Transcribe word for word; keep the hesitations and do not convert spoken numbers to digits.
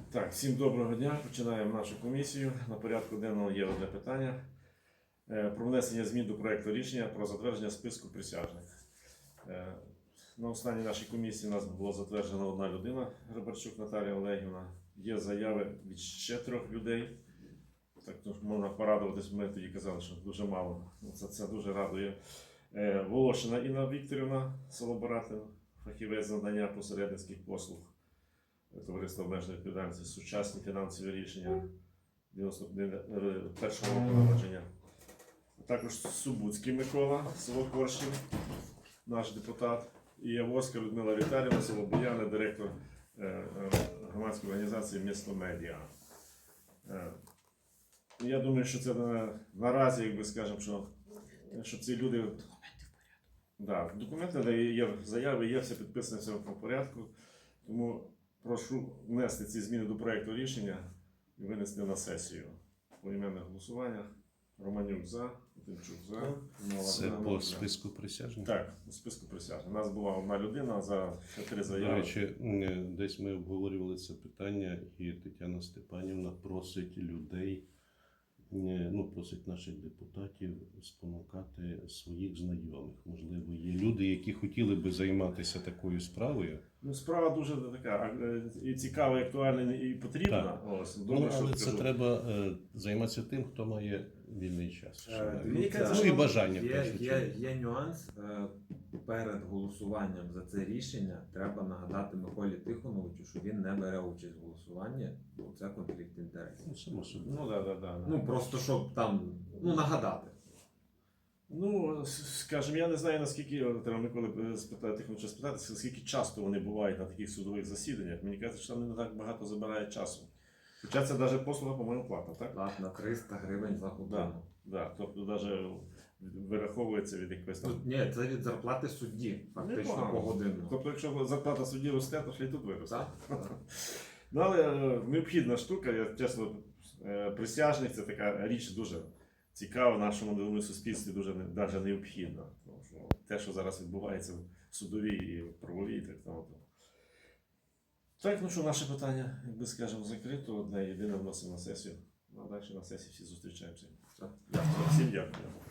Так, всім доброго дня. Починаємо нашу комісію. На порядку денного є одне питання е, про внесення змін до проекту рішення про затвердження списку присяжних. Е, На останній нашій комісії у нас було затверджена одна людина, Грибарчук Наталія Олегівна. Є заяви від ще трьох людей. Так, то можна порадуватись, ми тоді казали, що дуже мало. Це, це дуже радує. Е, Волошина Інна Вікторівна, село Баратин, фахівець з надання посередницьких послуг. Товариство обмеженої відповідальності, сучасні фінансові рішення дев'яносто першого року народження. Також Субуцький Микола, село Коршів, наш депутат. І Яворська Людмила Віталіївна, село Бояне, директор громадської організації «Місто Медіа». Я думаю, що це на, наразі, якби скажемо, що, що ці люди... Документи в порядку. Да, документи є, заяви є, все підписане, все в порядку. Тому прошу внести ці зміни до проєкту рішення і винести на сесію. Поіменне голосування. Романюк за, Тимчук за. Це по списку присяжних? Так, по списку присяжних. У нас була одна людина за три заяви. До речі, десь ми обговорювали це питання, і Тетяна Степанівна просить людей, ну, просить наших депутатів спонукати своїх знайомих. Можливо, є люди, які хотіли би займатися такою справою. Ну, справа дуже така і цікава, і актуальна, і потрібна. Ось, добре, ну, але що це скажу. треба е, займатися тим, хто має вільний час. Е, ну, дивіться, ну і бажання. Є, є, є нюанс. Е, перед голосуванням за це рішення треба нагадати Миколі Тихоновичу, що він не бере участь в голосуванні, бо це конфлікт інтересів. Ну, само собою. Ну, да, да, да, да. Ну, просто щоб там, ну, нагадати. Ну, скажімо, я не знаю, наскільки, треба Миколи спитати, хочу спитати, скільки часто вони бувають на таких судових засіданнях. Мені кажуть, що там не так багато забирає часу. Хоча це навіть послуга, по-моєму, платна, так? Платна триста гривень за годину. Да, да. Тобто навіть вираховується від якоїсь там... Тут, ні, це від зарплати судді, фактично Непогано. погодинно. Тобто, якщо зарплата судді росте, то ще й тут виросте. Так? Так. Ну, але е, необхідна штука, я чесно, е, присяжних це така річ дуже цікава в нашому думаю, суспільстві, дуже навіть необхідна. Тому що те, що зараз відбувається в судовій і в правовій, так само. Так, ну що, наше питання, як би скажемо, закрито, одне єдине вносимо на сесію. Ну, а далі на сесії всі зустрічаємося. Так. Всім дякую.